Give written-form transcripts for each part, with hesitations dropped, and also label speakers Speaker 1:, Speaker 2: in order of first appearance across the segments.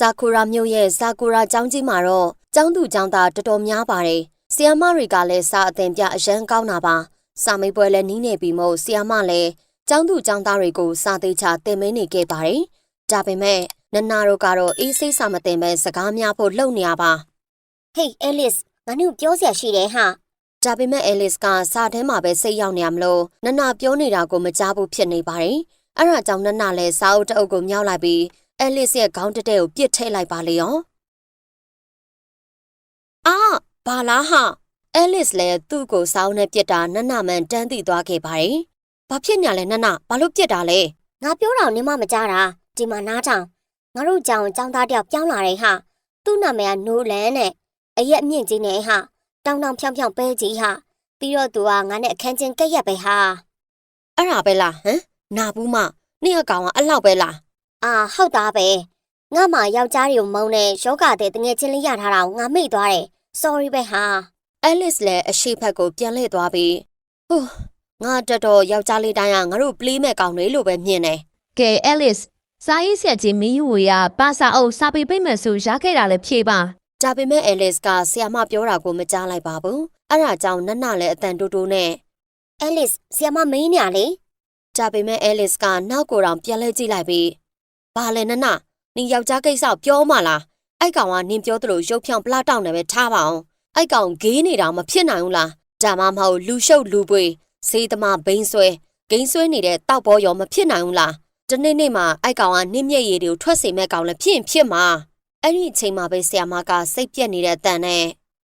Speaker 1: ကူရာမြို့ရဲ့ဇာကူရာကျောင်းကြီးမှာတော့ကျောင်းသူကျောင်းသားတော်တော်များပါတယ်။ဆီယာမတွေကလည်းစာအသင်ပြအရန်ကောင်းတာပါ။စာမေးပွဲလည်းနီးနေပြီမို့ဆီယာမလည်းကျောင်းသူကျောင်းသားတွေကိုစာသေးချသင်မင်းနေခဲ့ပါတယ်။ဒါပေမဲ့နနာတို့ကတော့အေးစိတ်စာမသင်ပဲစကားများဖို့လှုပ်နေရပါ။
Speaker 2: Hey Alice ငါတို့ပြောစရာရှိတယ်ဟာ
Speaker 1: ။ဒါပေမဲ့ Alice ကစာထဲမှာပဲစိတ်ရောက်နေရမလို့နနာပြောနေတာကိုမကြားဘူးဖြစ်နေပါတယ်။အဲ့ဒါကြောင့်နနာလည်းစာအုပ်တအုပ်ကိုမြောက်လိုက်ပြီးAlice ရဲ့ခေါင်းတက်ကိုပြစ်ထည့်လိုက်ပါလေရော။ဘာလားဟာ။ Alice လည်းသူ့ကိုစောင်းနဲ့ပြစ်တာနနမှန်တန်းသိသွားခဲ့ပါတယ်။ဘာဖြစ်ညာလဲနနဘာလို့ပြစ်တာလဲ
Speaker 2: ။ငါပြောတော့နင်မမကြားတာဒီမှာနားထောင်ငါတို့ကြောင်သားတယောက်ပြောင်းလာတယ်ဟာသူ့နာမည်ကနိုလန်နဲ့အရက်အမြင့်ကြီးနဲ့ဟာတောင်းတောင်းဖြောင်းဖြောင်းပဲကြီးဟာပြီးတော့သူကငါနဲ့အခန်းချင်းကက်ရက်ပဲဟာ
Speaker 1: အဲ့ဒါပဲလားဟမ်နာဘူးမနေ့အကောင်ကအဲ့လောက်ပဲလား
Speaker 2: ဟုတ်သားပဲငါမှယောက်ျားတွေကိုမုန်းတဲ့ယောဂတဲ့တငယ်ချင်းလေးရထားတာကိုငါမေ့သွားတယ် sorry ပဲဟာ
Speaker 1: Alice လည်းအရှိဖက်ကိုပြန်လှည့်သွားပြီးငါတော်ယောက်ျားလေးတိုင်းကငါတို့ပလေးမဲ့ကောင်တွေလို့ပဲမြင်တယ်
Speaker 3: ကဲ Alice စာရေးဆရာကြီးမင်းယူဝေကပါစာအုပ်စာပေပိတ်မယ်ဆိုရခဲ့တာလည်းဖြေပါ
Speaker 1: ဒါပေမဲ့ Alice ကဆရာမပြောတာကိုမကြားလိုက်ပါဘူးအဲ့ဒါကြောင့်နနလည်းအတန်တိုးတိုးနဲ့
Speaker 2: Alice ဆရာမမင်းညာလေ
Speaker 1: ဒါပေမဲ့ Alice ကနောက်ကိုယ်တောင်ပြန်လဲကြည့်လိုက်ပြီးဘာလဲနနနင်ယောက်ျားကိစ္စပြောမှလားအဲ့ကောင်ကနင်ပြောသလိုရုပ်ဖြောင်းပလတောက်နေပဲထားပါအောင်အဲ့ကောင်ဂေးနေတာမဖြစ်နိုင်ဘူးလားဒါမှမဟုတ်လူရှုပ်လူပွေစေးသမားဘိန်းဆွဲဂိမ်းဆွဲနေတဲ့တောက်ပေါ်ရောမဖြစ်နိုင်ဘူးလားဒီနေ့မှာအဲ့ကောင်ကနင့်မျက်ရည်တွေကိုထွက်စေမဲ့ကောင်လည်းဖြစ်မှာအဲ့ဒီအချိန်မှာပဲဆရာမကစိတ်ပြက်နေတဲ့အတန်နဲ့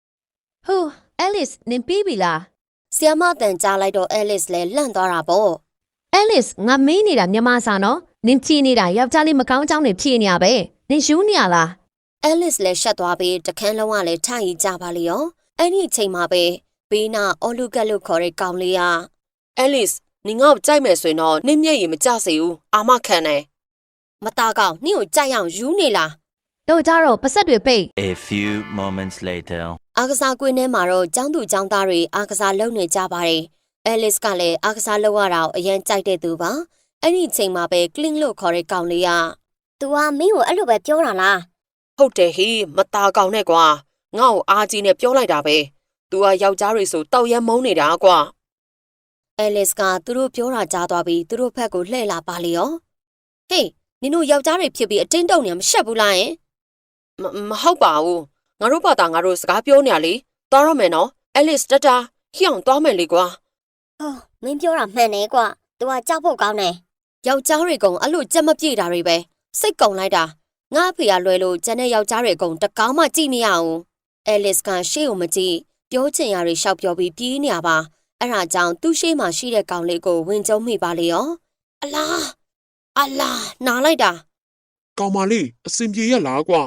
Speaker 3: Alice နင်ပြီးပြီလား
Speaker 1: ဆရာမအတန်ကြားလိုက်တော့ Alice လည်းလန့်သွားတာပေါ့
Speaker 3: Alice ငါမေးနေတာမြန်မာစာနော်နင်ဖြေနေတာယောက်ျားလေးမကောင်းကြောင်းနေဖြေနေရပဲနင်ယူနေရလား
Speaker 1: Alice လည်းရှက်သွားပြီးတခန်းလုံးကလည်းထိုင်ကြပါလေရောအဲ့ဒီအချိန်မှာပဲဘေးနာအော်လူကက်လို့ခေါ်တဲ့ကောင်လေးက Alice နင်ငါ့ကိုကြိုက်မယ်ဆိုရင်တော့နင့်မျက်ရည်မကျစေဘူးအာမခံတယ်မသားကောင်နင့်ကိုကြိုက်အောင်ယူနေလား
Speaker 3: တို့ကြတော့ပတ်ဆက်တွေပိတ်
Speaker 4: A few moments later
Speaker 1: အားကစားကွင်းထဲမှာတော့ကျောင်းသူကျောင်းသားတွေအားကစားလုပ်နေကြပါတယ် Alice ကလည်းအားကစားလုပ်ရတာကိုအရင်ကြိုက်တဲ့သူပါအဲ့ဒီအချိန်မှာပဲ cling လို့ခေါ်တဲ့ကောင်လေးက
Speaker 2: तू ကမင်းကိုအဲ့လိုပဲပြောတာလား
Speaker 1: ဟုတ်တယ်ဟေးမသားကောင်နဲ့ကွာငါ့ကိုအားကြီးနဲ့ပြောလိုက်တာပဲ तू ကယောက်ျားတွေဆိုတောက်ရမ်းမုန်းနေတာကွာ Alice ကသူတို့ပြောတာကြားသွားပြီးသူတို့ဘက်ကိုလှည့်လာပါလေရောဟေးနင်တို့ယောက်ျားတွေဖြစ်ပြီးအတင်းတုံနေမရှက်ဘူးလားယင်မဟုတ်ပါဘူးငါတို့ဘာသာငါတို့စကားပြောနေရလေသွားရမယ်နော် Alice တတာဟိအောင်သွားမယ်လေကွာ
Speaker 2: မင်းပြောတာမှန်တယ်ကွာ तू ကကြောက်ဖို့ကောင်းတယ်
Speaker 1: ယောက်ျားတွေကုံအဲ့လိုကြက်မပြေတာတွေပဲစိတ်ကုံလိုက်တာငါအဖေကလွယ်လို့ကျန်တဲ့ယောက်ျားတွေကုံတကောင်းမှကြည့်မရအောင် Alice ကရှေ့ကိုမကြည့်ပြောချင်ရတွေရှောက်ပြောပြီးပြေးနေရပါအဲ့ဒါကြောင့်သူ့ရှေ့မှာရှိတဲ့ကောင်လေးကိုဝင်ကျုံမိပါလေရောအလားနားလိုက်တာ
Speaker 5: ကောင်မလေးအစင်ပြေရလားကွာ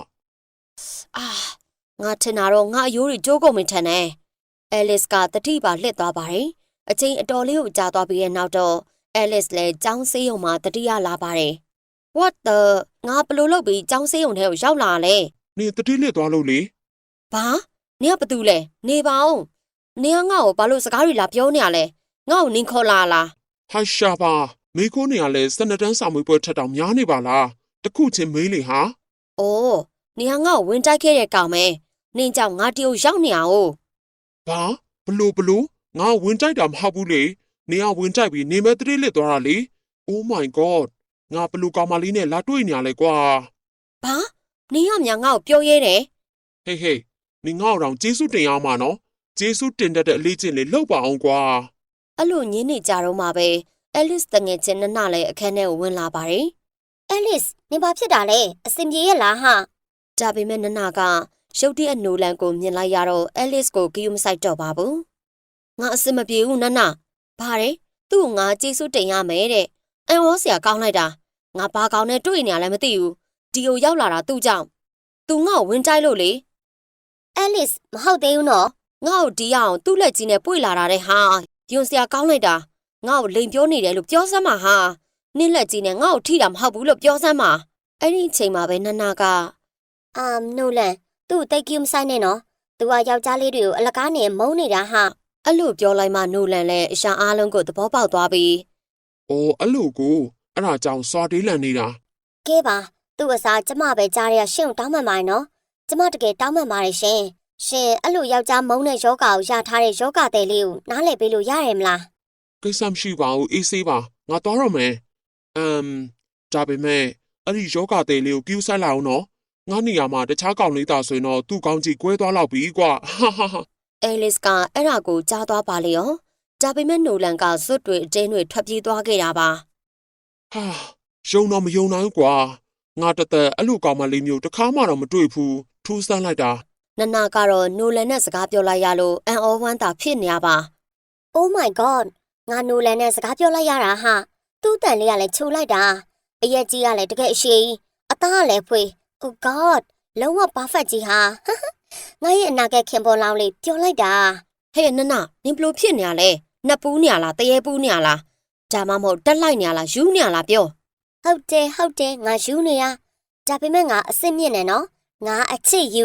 Speaker 1: ငါထင်တာတော့ငါအယိုးတွေကျိုးကုန်မထင်နဲ့ Alice ကတတိပါလှစ်သွားပါတယ်အချိန်အတော်လေးကိုကြာသွားပြီးတဲ့နောက်တော့ Alice လည်းကျောင်းဆေးရုံမှာတတိယလာပါတယ် What the ငါဘလို့လုပ်ပြီးကျောင်းဆေးရုံထဲကိုရောက်လာလဲ
Speaker 5: နေတတိလှစ်သွားလို့လေ
Speaker 1: ဘာနင်ကဘာတူလဲနေပါဦးနင်ကငါ့ကိုဘာလို့စကားတွေလာပြောနေရလဲငါ့ကိုနင်ခေါ်လာလား
Speaker 5: ဟာရှာပါမေခိုးနေရလဲစနတန်းစာမွေးပွဲထက်တောင်များနေပါလားတခုချင်းမေးလေဟာ
Speaker 1: အိုးနင်ကငါ့ကိုဝင်တိုက်ခဲ့တဲ့ကောင်မဲနင်ကြောင့်ငါတရုတ်ရောက်နေအောင်
Speaker 5: ဘာဘလို့ငါဝင်တိုက်တာမဟုတ်ဘူးလေနေကဝင်တိုက်ပြီးနေမဲ့တတိလှစ်သွားတာလေ Oh my god ငါဘလို့ကောင်မလေးနဲ့လာတွေ့နေရလဲကွာ
Speaker 1: ဘာနင်ကမြငါ့ကိုပြောရဲတယ်
Speaker 5: ဟေးနင်ငါ့အောင်ကျေးဇူးတင်ရမှာနော်ကျေးဇူးတင်တဲ့အလေးချင်းလေးလောက်ပါအောင်ကွာ
Speaker 1: အဲ့လိုညင်းနေကြတော့မှပဲ Alice တငယ်ချင်းနနလည်းအခန်းထဲကိုဝင်လာပါတယ်
Speaker 2: Alice နင်ဘာဖြစ်တာလဲအစင်ပြေရဲ့လားဟာ
Speaker 1: ဒါပေမဲ့နနကရုတ်တရက်နိုလန်ကိုမြင်လိုက်ရတော့ Alice ကိုဂီယူမဆိုင်တော့ပါဘူးငါအစင်မပြေဘူးနနဘာလဲသူ့ကိုငါကျေးဇူးတင်ရမယ်တဲ့အန်ဝေါ်ဆရာကောင်းလိုက်တာငါဘာကောင်းနဲ့တွေ့နေရလဲမသိဘူးဒီကိုရောက်လာတာသူ့ကြောင့်သူငါ့ကိုဝင်တိုက်လို့လေ
Speaker 2: Alice မဟုတ်သေးဘူးနော်
Speaker 1: ငါ့ကိုဒီအောင်သူ့လက်ကြီးနဲ့ပွေလာတာတဲ့ဟာယွန်ဆရာကောင်းလိုက်တာငါ့ကိုလိန်ပြောနေတယ်လို့ပြောစမ်းပါဟာနင့်လက်ကြီးနဲ့ငါ့ကိုထိတာမဟုတ်ဘူးလို့ပြောစမ်းပါအဲ့ဒီအချိန်မှာပဲနနက
Speaker 2: နိုလန်သူ့တိတ်ကူးမဆိုင်နဲ့နော်သူကယောက်ျားလေးတွေကိုအလကားနဲ့မုန်းနေတာဟာ
Speaker 1: အဲ့လိုပြောလိုက်မှနိုလန်လည်းအရှာအားလုံးကိုသဘောပေါက်သွားပြီး
Speaker 5: အော်အဲ့လိုကိုအဲ့ဒါကြောင့်စွာတေးလန်နေတာ
Speaker 2: ကဲပါသူသူ့အစားကျမပဲကြားရရှင့်ကိုတောင်းမှန်ပါနော်ကျမတကယ်တောင်းမှန်ပါတယ်ရှင်ရှင်အဲ့လိုယောက်ျားမုန်းတဲ့ယောဂကိုရထားတဲ့ယောဂတဲ့လေးကိုနားလည်ပေးလို့ရရဲ့မလား
Speaker 5: ကိစ္စမရှိပါဘူးအေးဆေးပါငါသွားတော့မယ်ဒါပေမဲ့အဲ့ဒီယောဂတဲ့လေးကိုcứuဆိုင်လိုက်အောင်နော်ငါနေရာမှာတခြားကောင်လေးသာဆိုရင်တော့သူ့ကောင်းကြီးကွဲသွားတော့ပြီကွာဟာဟာဟာ
Speaker 1: အဲလစ်ကအဲ့ဒါကိုကြားသွားပါလေရောဒါပေမဲ့နိုလန်ကဇွတ်တွေအတင်းတွေထွက်ပြေးသွားခဲ့တာပါ
Speaker 5: ဟာယုံတော့မယုံနိုင်ဘူးကွာငါတသက်အဲ့လိုကောင်မလေးမျိုးတစ်ခါမှတော့မတွေ့ဘူးထူးဆန်းလိုက်တာ
Speaker 1: နနကတော့နိုလန်နဲ့စကားပြောလိုက်ရလို့အန်အောဝမ်းသာဖြစ်နေရပါ
Speaker 2: Oh my god ငါနိုလန်နဲ့စကားပြောလိုက်ရတာဟာသူ့တန်လေးကလည်းချိုလိုက်တာအရက်ကြီးကလည်းတကယ်အရှိအသားကလည်းဖွေ Oh god လုံးဝ perfect ကြီးဟာငါရဲ့အနာဂတ်ခင်ပေါ်လောင်းလေးပြောလိုက်တာ
Speaker 1: ဟဲ့နနနင်ဘလို့ဖြစ်နေရလဲနှစ်ပူးနေရလားတရေပူးနေရလားဒါမှမဟုတ်တက်လိုက်နေရလားယူနေရလားပြော
Speaker 2: ဟုတ်တယ်ငါယူနေရဒါပေမဲ့ငါအစ်စ်မြင့်နေနော်ငါအချစ်ယူ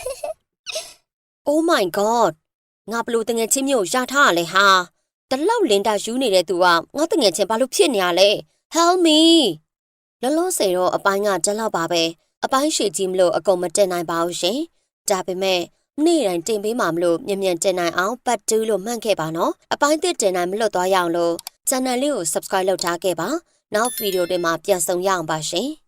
Speaker 1: Oh my god ငါဘလို့တငယ်ချင်းမျိုးရထားရလဲဟာတလောက်လင်တာယူနေတဲ့သူကငါတငယ်ချင်းဘာလို့ဖြစ်နေရလဲ Help me လောလောဆယ်တော့အပိုင်းကတလောက်ပါပဲအပိုင်းရှည်ကြီးမလို့အကုန်မတင်နိုင်ပါဘူးရှင်ဒါပေမဲ့နေ့တိုင်းတင်ပေးမှာမလို့မြန်မြန်တင်နိုင်အောင်ပတ်တူးလို့မှန့်ခဲ့ပါနော်အပိုင်းသစ်တင်နိုင်မလွတ်သွားရအောင်လို့ channel လေးကို subscribe လုပ်ထားခဲ့ပါနောက်ဗီဒီယိုတွေမှာပြန်ဆုံရအောင်ပါရှင်